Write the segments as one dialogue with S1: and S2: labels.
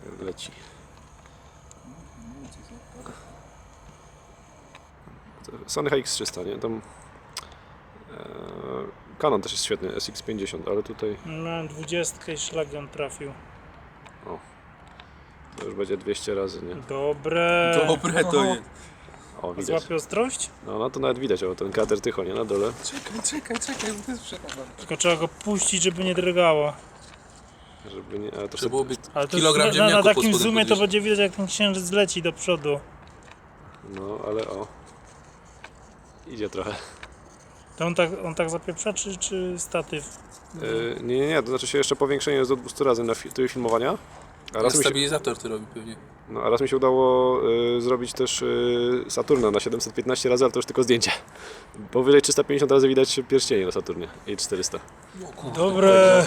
S1: leci. Sony HX300, nie? Tam Canon też jest świetny, SX50, ale tutaj
S2: Miałem 20 i szlagion trafił.
S1: to już będzie 200 razy, nie?
S2: Dobre.
S3: Dobre to jest.
S1: O, widać.
S2: Złapie ostrość?
S1: No to nawet widać, o, ten kater tycho, nie? Na dole.
S3: Czekaj, bo to jest przekazane.
S2: Tylko trzeba go puścić, żeby nie drgało.
S1: Żeby nie, ale to
S3: Trzeba byłoby
S2: Ale to
S3: kilogram
S2: na
S3: ziemniaków pod
S2: takim
S3: spodem
S2: zoomie to
S3: podnieść.
S2: będzie widać, jak ten księżyc leci do przodu.
S1: No, ale o. Idzie trochę.
S2: To on tak zapieprza, czy statyw?
S1: Nie, to znaczy się jeszcze powiększenie jest do 200 razy na tryb filmowania. A raz,
S3: Stabilizator to robi pewnie.
S1: a raz mi się udało zrobić też Saturna na 715 razy, ale to już tylko zdjęcie. Powyżej 350 razy widać pierścienie na Saturnie i 400.
S2: Dobre.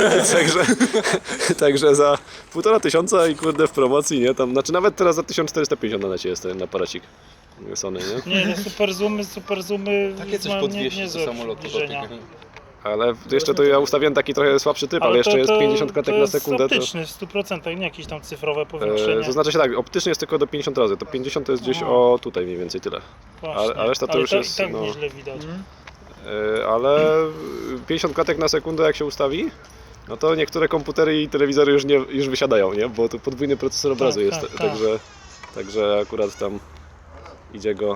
S1: Także za 1500 i kurde w promocji, nie? Tam, znaczy nawet teraz za 1450 na necie jest ten aparacik Sony, nie?
S2: Nie, no super zoomy
S3: Takie coś
S2: ma
S3: podwieźć do
S2: niezłe
S3: samolotu.
S2: przybliżenia.
S1: Ale jeszcze to ja ustawiłem taki trochę słabszy typ, ale jeszcze jest 50 klatek na sekundę.
S2: To jest optyczny w 100%, nie jakieś tam cyfrowe powiększenie.
S1: To znaczy się tak, optycznie jest tylko do 50 razy, to 50 to jest gdzieś o tutaj mniej więcej tyle.
S2: Właśnie.
S1: a reszta to już jest,
S2: i tak
S1: no.
S2: nieźle widać.
S1: Ale 50 klatek na sekundę jak się ustawi, no to niektóre komputery i telewizory już wysiadają, nie? Bo to podwójny procesor obrazu
S2: Tak,
S1: jest,
S2: tak, tak.
S1: Także akurat tam idzie go.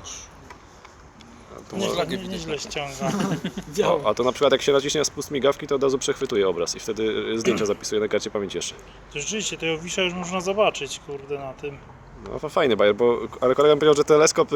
S2: Nieźle ściąga.
S1: A to na przykład jak się naciśnie spust migawki, to od razu przechwytuje obraz i wtedy zdjęcia zapisuje na karcie pamięci jeszcze.
S2: To rzeczywiście, tego Wisza już można zobaczyć, kurde, na tym.
S1: No fajny bajer, ale kolega mi powiedział, że teleskop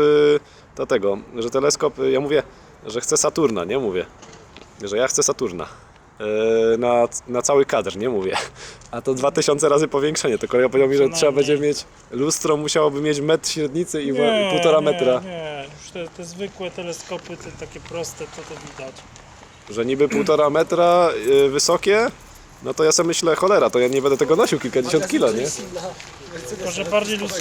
S1: ja mówię, że chcę Saturna, nie mówię, że ja chcę Saturna. Na cały kadr, nie mówię. A to 2000 razy powiększenie. To kolega powiedział mi, że trzeba będzie mieć lustro, musiałoby mieć metr średnicy i 1,5 metra.
S2: Nie, już te zwykłe teleskopy, te takie proste, to widać.
S1: Że niby 1,5 metra wysokie, no to ja sobie myślę, cholera, to ja nie będę tego nosił kilkadziesiąt kilo, nie?
S2: Tylko, że bardziej